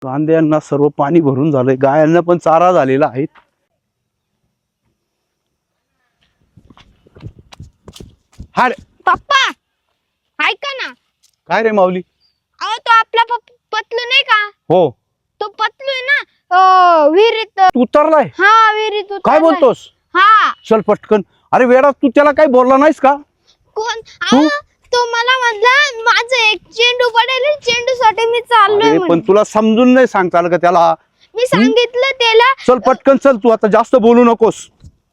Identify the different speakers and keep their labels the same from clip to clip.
Speaker 1: कांद्यांना सर्व पाणी भरून झालंय, गायांना पण चारा झालेला आहे. हा रे.
Speaker 2: पप्पा ऐका ना.
Speaker 1: काय रे माऊली?
Speaker 2: अहो तो आपला पतलू नाही का?
Speaker 1: हो.
Speaker 2: तो पतलू आहे ना, विहिरीत
Speaker 1: तू उतरलाय?
Speaker 2: हा विहिरीत
Speaker 1: काय
Speaker 2: उतरलाय.
Speaker 1: बोलतोस?
Speaker 2: हा.
Speaker 1: चल पटकन. अरे वेडा, तू त्याला काही बोलला नाहीस का?
Speaker 2: कोण? अहो तो मला म्हणला माझं एक चेंडू पडेल, चेंडू साठी मी चाललोय
Speaker 1: अरे
Speaker 2: म्हणून.
Speaker 1: पण तुला समजून नाही सांगता आलं का त्याला?
Speaker 2: मी सांगितलं त्याला.
Speaker 1: चल पटकन चल, तू आता जास्त बोलू नकोस.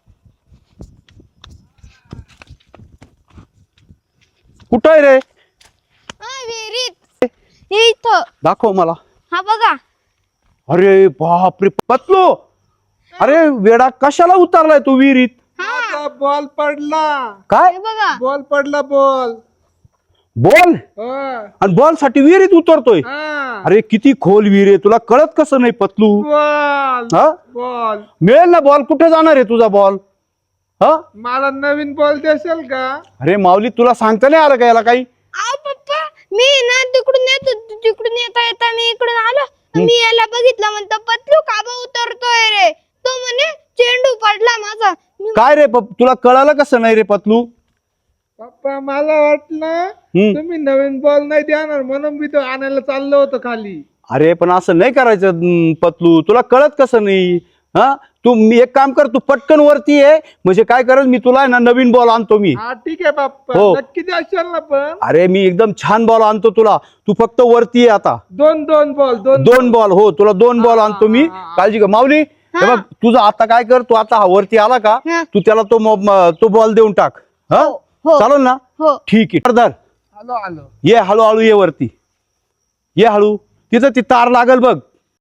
Speaker 1: कुठं आहे रे?
Speaker 2: विहिरीत इथं.
Speaker 1: दाखव मला.
Speaker 2: हा बघा.
Speaker 1: अरे बापरे पतलू, अरे वेडा कशाला उतरलाय तू विहिरीत?
Speaker 2: हा
Speaker 3: बॉल पडला.
Speaker 1: काय
Speaker 2: हे बघा.
Speaker 3: बॉल पडला बॉल.
Speaker 1: बॉल?
Speaker 3: हा.
Speaker 1: आणि बॉल साठी विहिरीत उतरतोय?
Speaker 3: हा.
Speaker 1: अरे किती खोल विहीर आहे, तुला कळत कसं नाही पतलू?
Speaker 3: बॉल
Speaker 1: हा
Speaker 3: बॉल
Speaker 1: मिळेल ना बॉल? कुठे जाणार आहे तुझा बॉल? हा
Speaker 3: मला नवीन बॉल देशाल का?
Speaker 1: अरे माऊली, तुला सांगता नाही आलं का याला काही?
Speaker 2: अहो पप्पा मी ना तिकडून येता मी इकडून आलो. मी याला बघितलं, म्हणतो पतलू का बा उतरतोय रे? तो म्हणे चेंडू पडला माझा.
Speaker 1: काय रे तुला कळालं कसं नाही रे पतलू?
Speaker 3: पप्पा मला वाटलं तुम्ही नवीन बॉल नाही देणार म्हणून मी तो आणायला चाललो होतो खाली.
Speaker 1: अरे पण असं नाही करायचं पतलू, तुला कळत कसं नाही? हा मी एक काम कर, तू पटकन वरती ये, म्हणजे काय करेल मी तुला ना नवीन बॉल आणतो मी.
Speaker 3: हा ठीक आहे पप्पा.
Speaker 1: हो.
Speaker 3: नक्की द्याल ना? पण
Speaker 1: अरे मी एकदम छान बॉल आणतो तुला, तू फक्त वरती ये आता.
Speaker 3: दोन बॉल.
Speaker 1: दोन बॉल. हो तुला 2 बॉल आणतो मी, काळजी कर. माऊली हे बघ, तुझं आता काय कर, तू आता वरती आला का
Speaker 2: हा.
Speaker 1: तू त्याला तो बॉल देऊन टाक. हा
Speaker 2: हो.
Speaker 1: चालेल ना?
Speaker 2: हो.
Speaker 1: ठीक आहे. धर.
Speaker 3: आलो.
Speaker 1: ये हळूहळू ये वरती, ये हळू. तिथं ती तार लागल बघ,